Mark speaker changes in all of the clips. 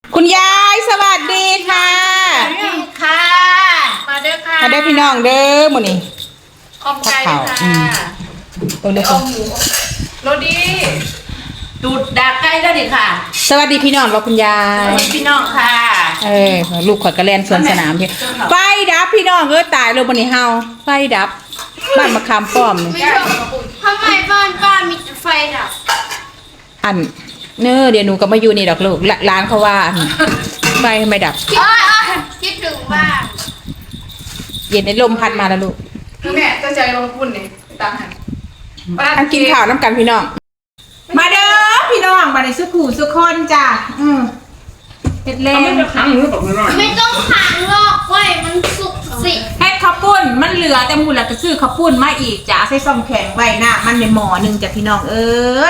Speaker 1: คุณยายสวัสดีค่ะ
Speaker 2: ค่ะมาเด้อค่ะ
Speaker 1: มาได้พี่น้องเด้อหมดนี่
Speaker 2: อมไก่ค่ะ
Speaker 1: ตัวเล็ก
Speaker 2: อมหมูโรดีดูดดากไก่ได้ดิค่ะ
Speaker 1: สวัสดีพี่น้องเราคุณยา
Speaker 2: ส
Speaker 1: ย
Speaker 2: วัสดีพี่น้องค่ะ
Speaker 1: ลูกขอดกระแลนสวนสนามพี่ไฟดับพี่น้องตายเลยบนนี้เฮาไฟดับบ้านมะขามป้อมนี่
Speaker 3: ทำไมบ้านป้ามีไฟดับ
Speaker 1: อันเนอเดี๋ยวหนูก็มาอยู่นี่ดอกลูกร้านเขาว่าไฟไม่ดับ
Speaker 3: คิดถึงบ้าน
Speaker 1: เย็นในลมพัดมาแล้วลูก
Speaker 2: คือแม่จะใจลงทุนนี่ตามหัน
Speaker 1: อันกินข้าวน้ำกันพี่น้องมาเด้อพี่น้องมาในสุขูสุขคนจ้ะเฮ็ดเล่น
Speaker 3: ไม่ต้องขังหรอกเว้ยมันสุกสิ
Speaker 1: เฮ็ดข้าวปุ้นมันเหลือแต่หมูหลักก็ซื้อข้าวปุ้นมาอีกจ้ะใส่ซองแข็งไว้หน้ามันในหม้อหนึ่งจ้ะพี่น้องเอ้ย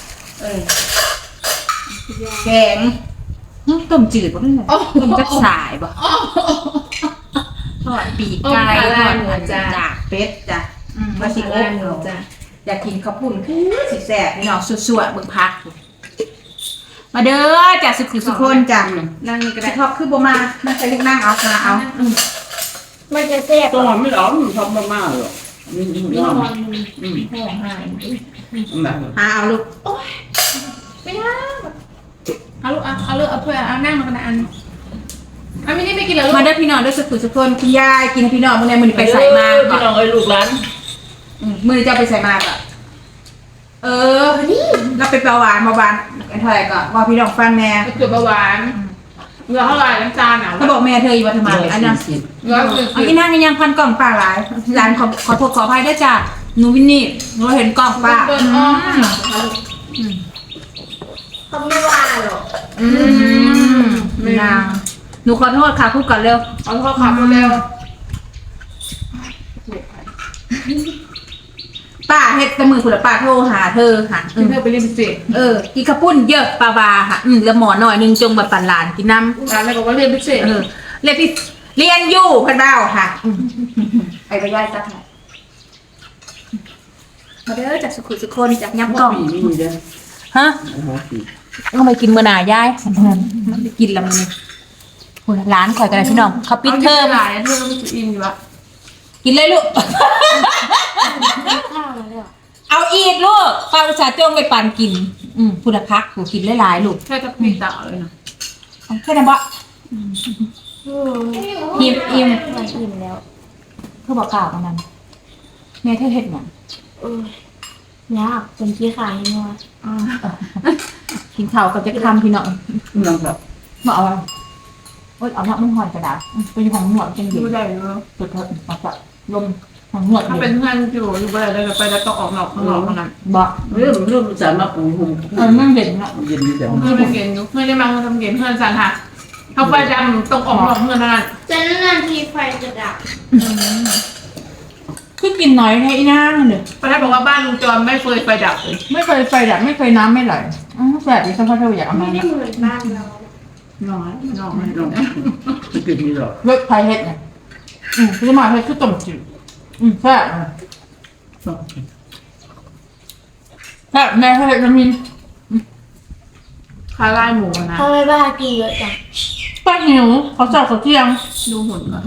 Speaker 1: แข็งต้มจืดบ่นี่ต้มจักสายบ่ทอดปีกไก่ทอดหัวจากเป็ดจ้ะมาสิอบจ้ะอยากกินข้าวปุ้นคือสิแซ่บพี่น้องสั่วๆเบิ่งพักมาเด้อจ้ะสุขคนจ้ะนั่งนี่ก็ได้ทอดคือบ่มาใส่ลูกนั่งเอาค่ะเอา
Speaker 3: มันจะแซ่บ
Speaker 4: ตัวมันไม่ร้อนทำมากๆหรอกมีร้อน
Speaker 1: หาเอาลูก
Speaker 2: ไม่ได้เอาลูกเอาเลือกเอาเพื่อเอานั่งมากันอันไม่ได้ไม่กินแล้วลูก
Speaker 1: มาเด้อพี่น้องเด้อสุขคนคุณยายกินให้พี่น้องมื้อนี้มื้อนี้ไปใส่มา
Speaker 4: พี่น้องเอ้ยลูกหลาน
Speaker 1: มื้อนี้จะไปใส่มาก่อนนี่เราเป็นเบาหวานกันเท่าไหร่ก่อนว่าพี่น้องฟังแม่
Speaker 2: จุดเบาหวานเงินเท่าไหร่น้ำตาลหนาว
Speaker 1: เขาบอกแม่เธออยู่วัฒนมาอันนั้น
Speaker 2: เงินคือ
Speaker 1: เอาอีนั่งยังพันกล่องป้าหลายร้านขอโทษขออภัยด้วยจ้ะหนูวินนี่หนูเห็นกล่องป้า
Speaker 2: เดินอ้อม
Speaker 3: เขาไม่ว่าหรอก
Speaker 1: นางหนูขอโทษค่ะพูดก่อนเร็ว
Speaker 2: เอาโทษขับเร็ว
Speaker 1: ป้าเฮ็ดแต่มือคุณป้าโทรหาเธอค่ะ
Speaker 2: กินเพื่อไปเรียนพิเศษ
Speaker 1: กินข้าวปุ้นเยอะปลาวาค่ะแล้วหมอหน่อยนึงจงแบบปั่นหลานกินน้ำ
Speaker 2: ร้านอะไรบอกว่าเรียนพิเศษ
Speaker 1: เรียนที่เรียนอยู่พันเบ้าค่ะไปย่อยจักหน่อยมาเด้อจากสุขุสุคนจากย้ำกล่อง
Speaker 4: ปีนี่เด้อ
Speaker 1: ฮะ
Speaker 4: หัวปี
Speaker 1: ก็ไปกินเมื่อหนายายมันไปกินแล้วมันนี่คุณร้านข่อยกันเลยพี่น้องเขาปิดเทอม
Speaker 2: หลายเทอมมันจะอินอยู่ละ
Speaker 1: กินเลยลูก
Speaker 3: ข้าวมาแล้ว
Speaker 1: เอาอีกลูกป้าอุตส่าห์จ้องไปปั่นกินคุณพักกูกินหลายๆลูก
Speaker 2: แค่จะปีต่อเลยนะ
Speaker 1: เอาแค่นั้นบ่อิ่ม
Speaker 3: มันอิ่มแล้ว
Speaker 1: เธอบอกกล่าวกันนั้นแม่เธอเฮ็ดหยัง
Speaker 3: ยากจนขี้ขายงัว
Speaker 1: กินข้าวกับจะคำพี่น้อง
Speaker 4: น้องครับ
Speaker 1: มาเอาเอาหน้ามึงหอยกระดาษเป็นของหนวดจังเดียว
Speaker 2: ดูได้เลย
Speaker 1: เปิดมาจะลมของหนวด
Speaker 2: ถ้าเป็นเพื่อนอยู่ไปเลยไปแล้วต้องออกนอกข้างนอกเท่านั้น
Speaker 1: บ่
Speaker 4: เรื่องสารมาปูหุ่น
Speaker 1: นั่งเด่นเนาะ
Speaker 4: เย็นดีแต่
Speaker 2: เพื่อนเป็นเกณฑ์เพื่อนได้มาทำเกณฑ์เพื่อนสันค่ะเขาไฟดำต้องออกนอกเพื่อนเท่านั้น
Speaker 3: จะนานทีไฟจะดับ
Speaker 1: คือกินน้อยแค่อีนั่งเลย
Speaker 2: ป้าได้บอกว่าบ้านลุงจอมไม่เคยไฟดับเลย
Speaker 1: ไม่เคยไฟดับไม่เคยน้ำไม่ไหลแสบดิฉันพ่อเธออยากเอา
Speaker 3: ไม่
Speaker 1: มา
Speaker 3: ได้เหมือนบ้านเรา
Speaker 2: น้อยน้อย
Speaker 4: น้องไม่เกิดมีหรอก
Speaker 1: เลิกไฟเฮ็ดเนี่ยคือมาเฮ็ดคือต้มจืดแซ่บแซ่บแม่เฮ็ดน้ำมิน
Speaker 2: คาไล่หมูนะ
Speaker 3: ทำไมบ้ากินเยอะจัง
Speaker 1: ป้าหิวเขาเจ้าเขาเที่ยง
Speaker 2: ดูหุ่นก่อน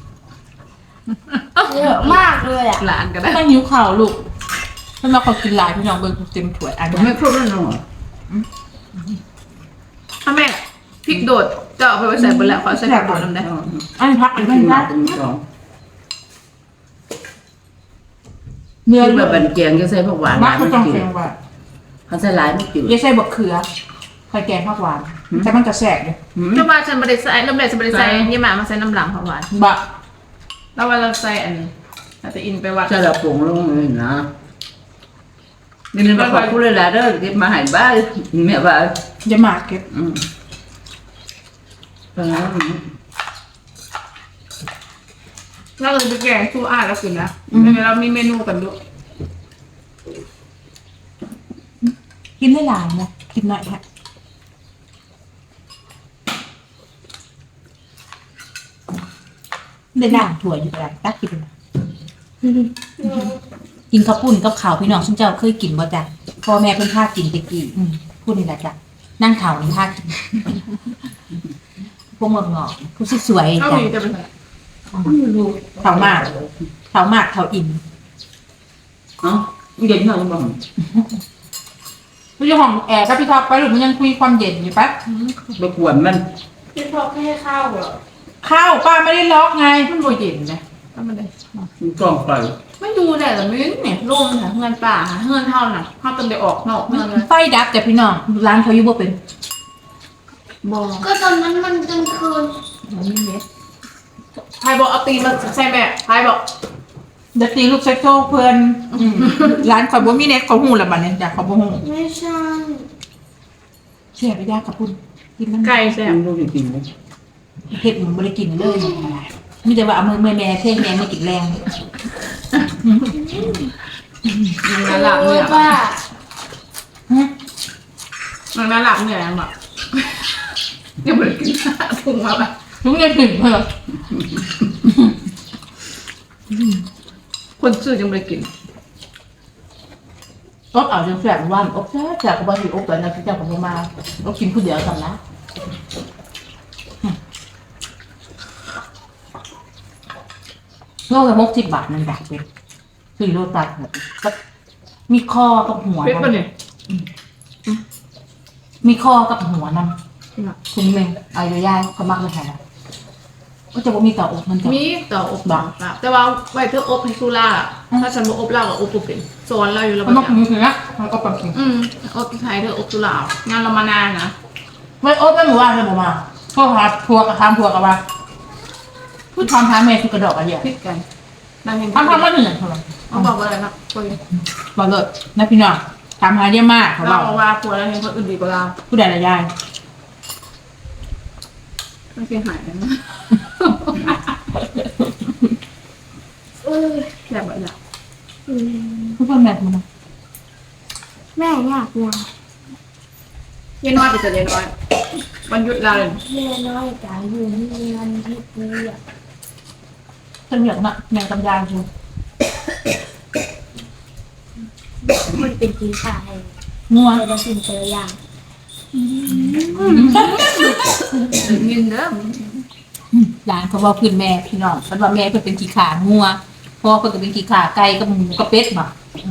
Speaker 3: เยอะมากเลยอ่ะ
Speaker 2: หลานก็ได้
Speaker 1: ป้าหิวข่าวลูกถ้ามาเขากินหลายพี่น้องเบิ่งเต็มถ้วยอัน
Speaker 4: ผม
Speaker 1: นี้
Speaker 4: ไม่ครบแล้วน้อง
Speaker 2: ถ้าแม่พริกโดดจะเอาไปใส่บนแล้วขอใส่ผักโดดน้ำได้
Speaker 1: อันนี้พักอัน
Speaker 4: ขึ้
Speaker 1: นี้
Speaker 4: นมา
Speaker 1: พัก
Speaker 4: เป็นสอง
Speaker 1: เนื้อ
Speaker 4: ที่แบบเป็นแกงจะใส่ผักหวาน
Speaker 1: มักเขา
Speaker 4: ไม่
Speaker 1: ต้อง
Speaker 4: จื
Speaker 1: เสี
Speaker 4: ด
Speaker 1: ยงว่า
Speaker 4: เขาใส่หลายไม่จืด
Speaker 1: อย่าใส่บะเขือไข่แกงผักหวานแต่มันจะแสบเลย
Speaker 2: จะมาฉันบริใส่น้ำแดงฉันบริใส่ยี่หมามาใส่น้ำหลังผักหวาน
Speaker 1: บะ
Speaker 2: แล้วว่าเราใส่อันอาจจะอินไปวัด
Speaker 4: ใส่ละผงลงเลยนะนี่มันขอบคุณเลยล่ะเด้อเก็บมาให้บ้านแม่บ้าน
Speaker 1: อย่าหมากเก็บ
Speaker 2: เราเลยไปแกงสู้อาแล้วกินนะเดี๋ยวเรามีเมนูกันด้วย
Speaker 1: กินได้หลายนะกินหน่อยค่ะได้ด่างถั่วอยู่แล้วตักกินกินข้าวปุ้นกับข้าวพี่น้องซึ่งเจ้าเคยกินบ่จ้ะพ่อแม่เพิ่นพากินตะกี้พูดนี่แหละจ้ะนั่งข่าวนี่พากินพวกเมืองงอกผู้สวย
Speaker 2: เอา
Speaker 1: จ้ะ
Speaker 2: มีจะเป็น
Speaker 1: เท่ามากเท่ามากเท่าอิ่ม
Speaker 4: เอ้าเย็นหน่อยบ้าง
Speaker 1: พี่เจ้าของแอร์กับพี่ท็อปไปหรือมันยังคุยความเย็นอยู่ปะ
Speaker 4: ไปกวนมัน
Speaker 2: พี่พอแค่ให้ข้าวเหรอ
Speaker 1: ข้าวป้าไม่ได้ล็อกไง
Speaker 2: มันโบเย็นนะทำมันได้
Speaker 4: มันกล้องไป
Speaker 2: ไม่ดูแหละแต่ไม่เนี่ยร่มค่ะเงินป่าเงินเท่าน่ะเท่าจนได้ออกนอกเงินเลย
Speaker 1: ไฟดับแต่พี่น้องร้านเขาอยู่บ่เป็น
Speaker 2: บอ
Speaker 3: ก็ตอนนั้นมันกลางคืน
Speaker 2: มันมีเม็ดพายบอกเอาตีมาใส่แม่พายบอก
Speaker 1: เดี๋ยวตีลูกเซ็กโซเพื่อนร้านเขาบ่มีเน็ตเขาหูละบัดเนี่ยจ้ะเขาบ่หู
Speaker 3: ไม่ใช่
Speaker 1: เสียไปยากกับคุณกินน้ำ
Speaker 2: ไก่แซ่บ
Speaker 4: มันรู้จริงๆนะ
Speaker 1: เห็ดมันบ่ได้กินเลยมีแต่ว่าเอามือแม่เท่งแม่ไม่กินแรง
Speaker 2: มันน่าหลับเนี่ย
Speaker 3: ว่า
Speaker 2: มันน่าหลับเนี่ยแบบ ยังไม่ได้กินถุงมาแบบ
Speaker 1: ลุงยังถึงเหรอ
Speaker 2: คนซื้อยังไม่ได้กิน
Speaker 1: อบเอาจังแสบวันอบแซ่บก็บ่สิอบแล้วนะพี่เจ้าก็บ่มาอบกินผู้เดียวกันนะโลละ60 บาทนั่นแบบเป็น4 โลตัดแบบมีคอกับหัว
Speaker 2: เพ็ดป่ะเนี่ย
Speaker 1: มีคอกับหัวนำคุณแม่เอาอยู่ย่ายเขามักเลยค่ะก็จะบ่มีต่ออกมันจะ
Speaker 2: มีต่ออบางแต่ว่าไว้เธออบให้ซูล่าถ้าฉันบอกอบเหล้ากับอบปุ๊บเป็นโซนเราอยู่แล้ว
Speaker 1: มันต้อง
Speaker 2: แบบ
Speaker 1: มีนะมันก็ปังกิน
Speaker 2: อบไทยเธออบซูล่างานเรามานานนะ
Speaker 1: ไม่อบไม่หมู่บ้านเลยบ่มาพวกหาพัวกับทำพัวกับว่าพูดทำทางแม่คือกระดอกอะไรอย่าง
Speaker 2: พิดกันนางเห็น
Speaker 1: ทำมาหนึ่งเท่าไหร่
Speaker 2: เขาบอกว่าอะไรนะคุย
Speaker 1: บอกเลยนะพี่น้องทำหาเยอะมากเขาบ
Speaker 2: เรา
Speaker 1: อก
Speaker 2: บอกว่าผัวเราเห็นคนอื่นดีกว่าเรา
Speaker 1: ผู้ใดละยาย
Speaker 2: ไม่เสียหายนะ แบบแบบ
Speaker 1: ผู้คนแบบมัน
Speaker 3: แม่อยากวาง
Speaker 2: เย็นน้อยไปจะเย็นน้อยวันหยุดเราเลย
Speaker 3: แม่น้อยจ๋าอยู่ที่งานที่ปูอ่ะ
Speaker 1: ฉันเหลืองน่ะแมงกำยานคือ
Speaker 3: มันเป็นกีฬาให้
Speaker 1: งัว
Speaker 3: แต่ละสิ่งแต่ละอย่าง
Speaker 2: ยินเด้อ
Speaker 1: หลานเขาบอกขึ้นแม่พี่น้องมันว่าแม่เพิ่นเป็นขี้ขางัวพ่อเพิ่นก็เป็นขี้ขาไก่กับหมูกับเป็ดบ่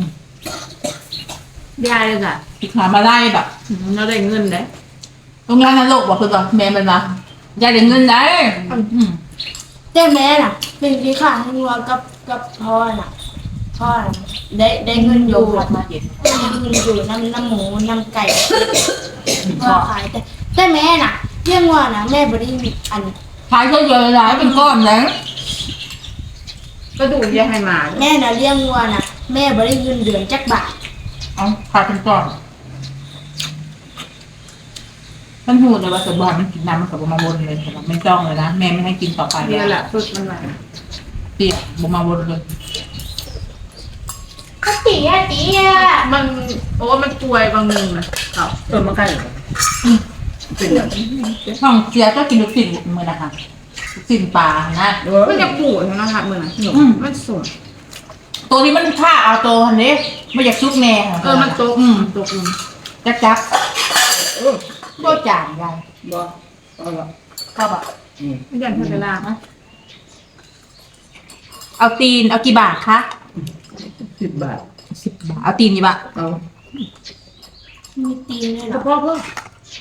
Speaker 2: ได้เลยจ้ะ
Speaker 1: ขี้ขามาไล่แบบ
Speaker 2: เราได้เงินได้
Speaker 1: ตรงร้านนรกบอกเพิ่นว่าแม่มันว่าอยากได้เงินได้
Speaker 3: แต่แม่น่ะ เป็นกีฬาให้วัวกับพ่อน่ะพ่อน่ะได้เงินอ
Speaker 1: โย
Speaker 3: ยู่
Speaker 1: มมาเย็น
Speaker 3: ได้เงินอยู่น้ำหมูน้ำไก่พ่อขายแต่แม่น่ะเลี้ยงวัวน่ะแม่บ่ได้มีอัน
Speaker 1: ขายเยอะๆหลายเป็นก้อนนะ
Speaker 2: ก็ดูแยกให้มา
Speaker 3: แม่น่ะเลี้ยงวัวน่ะแม่บ่ได้เงินเดือนจักบาท
Speaker 1: เอาขายเป็นก้อนท่านหูเลยว่าสบอนมันกินน้ำมันกับบมาวนเลยแต่ว่าไม่จ้องเลยนะแม่ไม่ให้กินต่อไป
Speaker 2: เรียนแหละสุดมันมา
Speaker 1: เปียกบมาวนเลย
Speaker 3: ก็ตีอ่ะ
Speaker 2: มันโอ้มันป่วยบางนึงนะเขา
Speaker 4: มันใกล้เหรอเป็นอย่าง
Speaker 1: ห้องเสียก็กินลูกศิษย์มือนะคะลูกศิษย์ปลานะ
Speaker 2: มันจะปวดนะครับมือนะมันสวย
Speaker 1: ตัวนี้มันฆ่าเอาตัวนี้ไม่อยากซุกแน่
Speaker 2: มันตกตก
Speaker 1: จับก็จ่ายยาย
Speaker 4: บ่เอาละ
Speaker 1: ก็แบบ
Speaker 2: ไม่ยันพัฒนา
Speaker 1: เอาตีนเอากี่บาทคะ
Speaker 4: 10 บาท
Speaker 1: 10 บาทเอาตีนกี่บาท
Speaker 4: เอา
Speaker 3: มีตีนด้วยเห
Speaker 2: เฉ
Speaker 3: รอ
Speaker 2: พาะเพิ่ม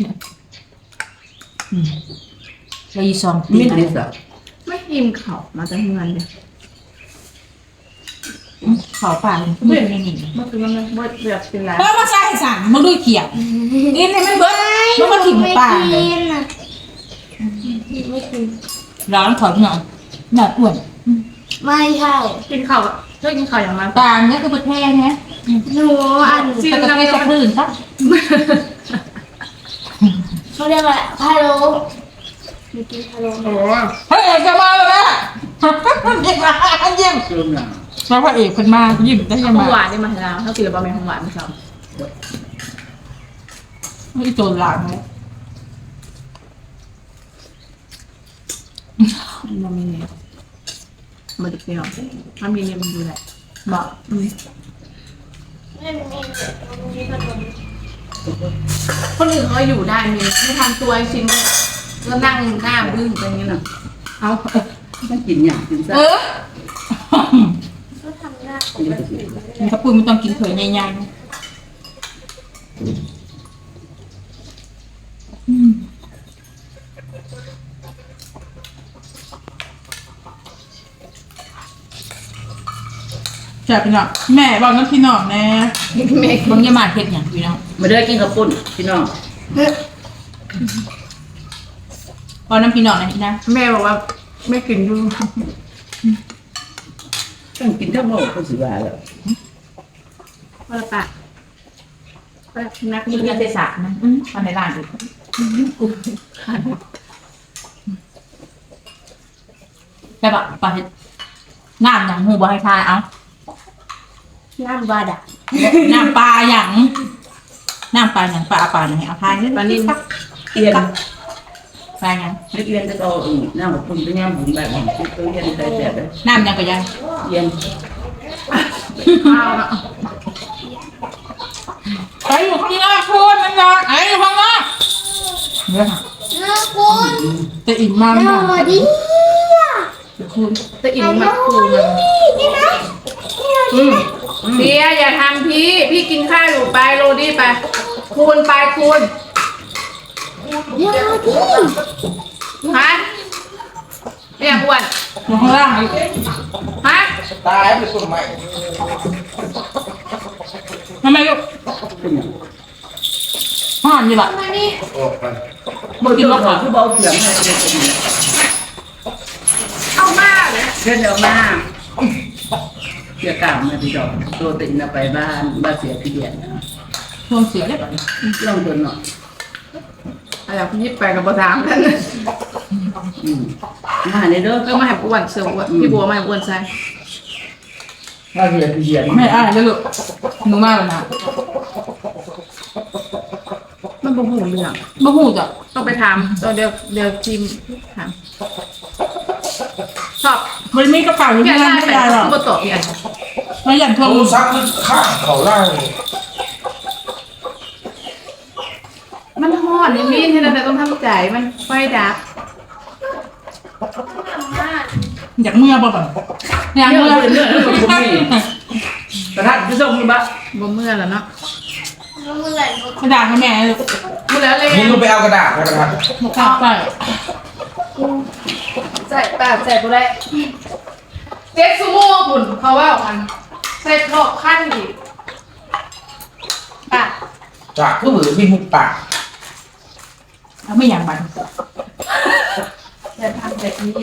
Speaker 1: เราอีซองตี
Speaker 4: มิ
Speaker 1: น
Speaker 4: ดดิสอะ
Speaker 2: ไม่ยิมเข่ามาจากเงินเลย
Speaker 1: เขาป่าไม่ไม่หนี
Speaker 2: มันคือมันเบิดแบบเป็นไร
Speaker 1: เพิ่มมาใส่สั่งมึงดูเขียวกินให้มันเบิดมึงมาถิ่มป่าเลย
Speaker 3: ไม่กิน
Speaker 1: ร้อนถอดเงาหน้าอ้วน
Speaker 3: ไม่ใช่
Speaker 2: กินเข่าเลิกกินเข่าอย่างมัน
Speaker 1: ตาเนี่ยคือประเทศเนี่ย
Speaker 3: หนูอัน
Speaker 1: แต่ประเทศจะคลื่นครับ
Speaker 3: เขาเรียกว่าพะโล้มีกินพะโล้
Speaker 2: โอ้
Speaker 1: พระเอกจะมาแล้วนะยิ้มยิ้ม
Speaker 4: เริ่มหนา
Speaker 1: แล้วพระเอกคนมายิ้มได้ยัง
Speaker 2: ของห
Speaker 1: ไง
Speaker 2: วานได้มาแล้วถ้ากินแล้วบะหมี่ของหวานไม่ชอบ
Speaker 1: ไม่โจรหลานเลย
Speaker 2: มันมีเนี่ยมันจะเปรี้ยวมันมีเนี่ยมันดูแหละ
Speaker 1: บอก
Speaker 3: ไม่มีขนม
Speaker 2: คนอื่นเขาอยู่ได้มีไม่ทำตัวไอ้ชิ้นก็นั่งหน้าบึ้งไปอย่างนี้น่ะเอา
Speaker 4: มันกินอย่างกินซะ
Speaker 3: ก็ทำหน้าปกติ
Speaker 1: มีข้าวปุ้นมันต้องกินเผยใหญ่ๆแซ่บพี่น้องแม่บอกน้ำพี่น้องแน่แม่บางอยามาเฮ็ดหยังพี่น้อง
Speaker 4: มาเด้อกินข้าวปุ้นพี่น้อง
Speaker 1: พอน้ำพี่น้องนะพี่นะ
Speaker 2: แม่บอกว่าไม่กินดู
Speaker 4: ต้องกินทั้งหมดก็สิว่าแล้ว
Speaker 2: ว่าละปะว่านัก
Speaker 1: มี
Speaker 2: เรีย
Speaker 1: เงิ
Speaker 2: น
Speaker 1: นเศษสารนะมาในร้านดิแต่แบบปลาเห็ดน้ำอย่างหูบ่ให้ทายเอา
Speaker 3: น้ำบาดาล
Speaker 1: น้ำปลาอย่างน้ำปลาอย่างปลาอย่างเอาทายนี่
Speaker 2: ปลานิ่ม
Speaker 4: เอียน
Speaker 1: ปลาอย่าง
Speaker 4: เอียนจะเอาน้ำข้าวปุ้นไปย่างหมูแบบนี้ตัวเอียนได้แซ่บเลย
Speaker 1: น้ำอย่างก็ยัง
Speaker 4: เอียน
Speaker 2: ข้าวเนาะ
Speaker 1: ไอ้อยู่ข้างนอกคุณมันนอนไอ้อยู่ข้างนอกเนี่ยค่ะ
Speaker 3: น้าคุณ
Speaker 1: จะอิ่มมาก
Speaker 3: สวัสดี
Speaker 1: คุณ
Speaker 2: จะอิ่มมากคูมัน
Speaker 3: นี่นะ
Speaker 2: เบียร์อย่าทำพี่กินข้าวอยู่ไปโรดี้ไปคูณไปคูณ
Speaker 3: เดี๋ยวดิ
Speaker 2: ฮะไม่อยากอ้วน
Speaker 1: อยู่ข้างล่าง
Speaker 2: ฮะ
Speaker 5: ตายไปคนใหม่
Speaker 1: ทำไมลูกห่อนอยู่แบบ
Speaker 3: มานี่
Speaker 5: ออกไป
Speaker 4: บ่กินว่าขอคือเบาเสียงให้เด็กกิน
Speaker 2: เอามากเลย
Speaker 4: เพื่อนเอามาเสียกล่าวมาพี่ดอกตัวติงไปบ้านเสียพี่เดียน
Speaker 1: ช่วงเสียได้แบบนี้
Speaker 4: ลองตัวหน่อย
Speaker 2: อะไรพี่ยิบไปกับบะถามกัน
Speaker 4: มาในเด้อ
Speaker 2: ก็มาให้อ้วนเสืออ้วนพี่บัวมาให้อ้วนใส่
Speaker 4: ว่าเสียพี่เดียน
Speaker 1: ไม่อ้ายแล้วลูกหนูมากเลยนะ
Speaker 2: มันบ่หูเรื่อง
Speaker 1: บ่หูจ้ะ
Speaker 2: ต้องไปถามตัวเดี๋ยวทีมถามชอบ
Speaker 1: มันมีกระเป๋าอยู่
Speaker 2: พี่
Speaker 1: ที่
Speaker 2: อา
Speaker 1: นั่น
Speaker 2: ได้
Speaker 1: ไม่
Speaker 2: ไป
Speaker 1: ได้หรอก
Speaker 2: บ่ตอบพี่อา
Speaker 1: ไม่อยากทวง
Speaker 5: โทรศัพท์ข้างเขาล่าง
Speaker 2: มันฮอดนี่มีที่นั่นแต่ต้องทำใจมันไฟดับ
Speaker 1: อยากเมื่อบ่แบบอยาก
Speaker 4: เมื่
Speaker 1: เมื่
Speaker 4: อ
Speaker 1: อ
Speaker 4: เมื่อผมมีกระทัดพี่ส่งมีบ้า
Speaker 2: บ่เมื่อแล้วเนาะ
Speaker 3: แล้วเมื่อไหร่รถ
Speaker 1: กระดาษให้แม่ลูก
Speaker 2: พูดแล้วเลย
Speaker 5: นี่ก็ไปเอากระดาษมากระดาษ
Speaker 1: บอกข้าวไป
Speaker 2: ใส่ปากใส่บ่ได้เจ็ดซูโม่พุ่นเขาว่ามันใส่รอบขั้นอีกป่ะ
Speaker 5: จากผู้มือที่หุบปาก
Speaker 1: เอาไม่อยากบัน
Speaker 2: อย่าทำแบบนี้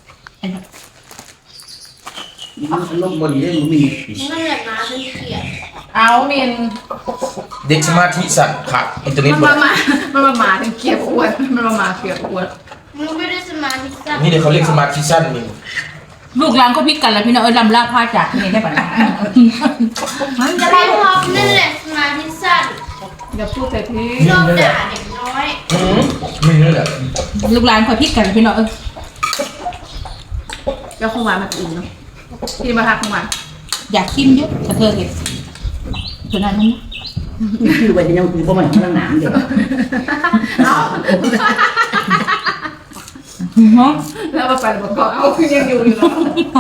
Speaker 4: ลงบนนี้มี
Speaker 3: มันเหนื่อยมาเป็นเกียรติ
Speaker 2: เอาเมน
Speaker 5: เด็กสมาธิสั่นขาดอินเทอร์เน็ต
Speaker 2: มัน
Speaker 5: หม
Speaker 2: มา
Speaker 5: ด
Speaker 2: มันมาถึงเกียบอ้วนมันมาเกียบอ้วน
Speaker 3: มึงไม่ได้สมาธิสั้น
Speaker 5: นี่เดี๋ยวเขาเรียกสมาธิสั้นนี่
Speaker 1: ลูกหลานก็พิกันแล้วพี่น้องลำลาพาจากนี่ได้ปะนะ
Speaker 3: จะไปพร้อมนั่นแหละสมาธิสั้น
Speaker 2: อย่าพูดแต่พี่
Speaker 3: ชอบด่าเด็กน้อย
Speaker 5: มีนั่นแหละ
Speaker 1: ลูกหลานคอยพิกันพี่น้อง
Speaker 2: ก็คงมามันอื่นเนาะพี่มาทักคงมา
Speaker 1: อยากชิมเยอะกระเทยเห็ดส่วนนั้นนะ
Speaker 4: คือไปยังคือประมาณนั้นหนามเดียว
Speaker 2: เอา
Speaker 1: ฮะ
Speaker 2: แล้วมาไปบอกก็เอาคือยังอยู่อยู่เนาะ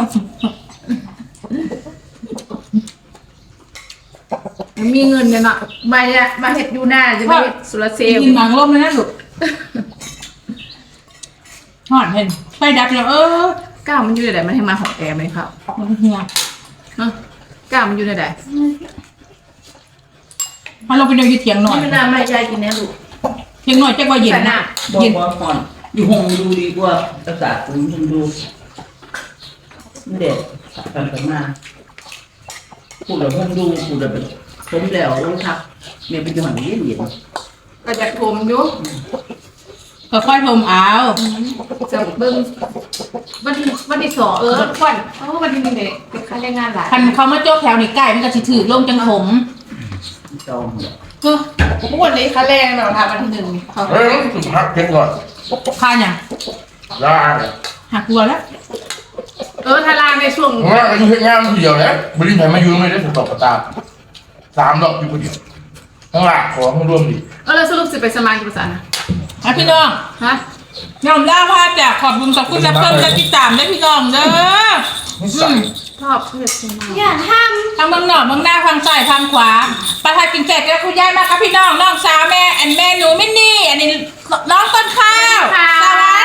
Speaker 2: มีเงินเนี่ยเนาะมาเห็ดยูน่าจะมาเห็ดสุรเซล
Speaker 1: กินหมางร่มเลยนะลูกหอดเห็นไฟดับแล้ว
Speaker 2: ก้าวมันอยู่ในไหนมันให้มาหอมแอร์ไหมครับ
Speaker 1: มันเหี่ยว
Speaker 2: เนาะก้าวมันอยู่ในไหน
Speaker 1: มาลงไปเดินอยู่เถียงหน่อย
Speaker 4: นี่มันน่าไม่ใจกินแน่ลูก
Speaker 1: เถียงหน่อยจะว่าเย็นนะ
Speaker 4: บอก
Speaker 1: เย็น
Speaker 4: ว่าก่อนอยู่ห้องดูดีกว่าอากาศคุณดูไม่เด็ดกันมาพูดแล้วห้องดูพูดแล้วแบบผมแล้วลงทักเนี่ยเป็นจังหวะเย็นเย็น
Speaker 2: ก็จะทมอยู่
Speaker 1: ก็ค่อยๆทมเอา
Speaker 2: จะเบิ่งวันที่สองควันวันที่หนึ่งเด็กเป็นค่าแรงงานหลาย
Speaker 1: คันเขามาโจ๊กแถวนี่ใกล้มันก็สิถือลงจังผม
Speaker 4: จอง
Speaker 2: วันนี้ค่าแรงเราทำวันที่หนึ่งเขา
Speaker 5: เฮ้ยสุดพักเพ่งก่อน
Speaker 1: ค่าอย่าง
Speaker 5: ล่า
Speaker 1: หักกลัวแล้ว
Speaker 2: ถ้าลางในช่วง
Speaker 5: ว่าอายุเพียงงานทีเดียวนะบริษัทมาอยู่ไม่ได้ถูกตบกระตา3 ดอกอยู่คนเดียวข้างหลังของรวมดิ
Speaker 2: แล้วสรุปสิไปสมาธิภาษานะ
Speaker 1: อ่ะพี่น้อง
Speaker 2: ฮะ
Speaker 1: ยอมเล่าพาจากขอบคุณกับคุณรับเพิ่มจะติดตามได้พี่น้องเด้อ
Speaker 5: นิสัย
Speaker 2: ชอบเผ็ดจริง
Speaker 3: อย่าท
Speaker 1: ทางเมืองนอกเมืองหน้าทางซ้ายทางขวาประทานกินเสร็จแล้วคุณยายมาครับพี่น้องน้องสาวแม่แม่หนูมินนี่อันนี้น้องต้นข้าวสวัส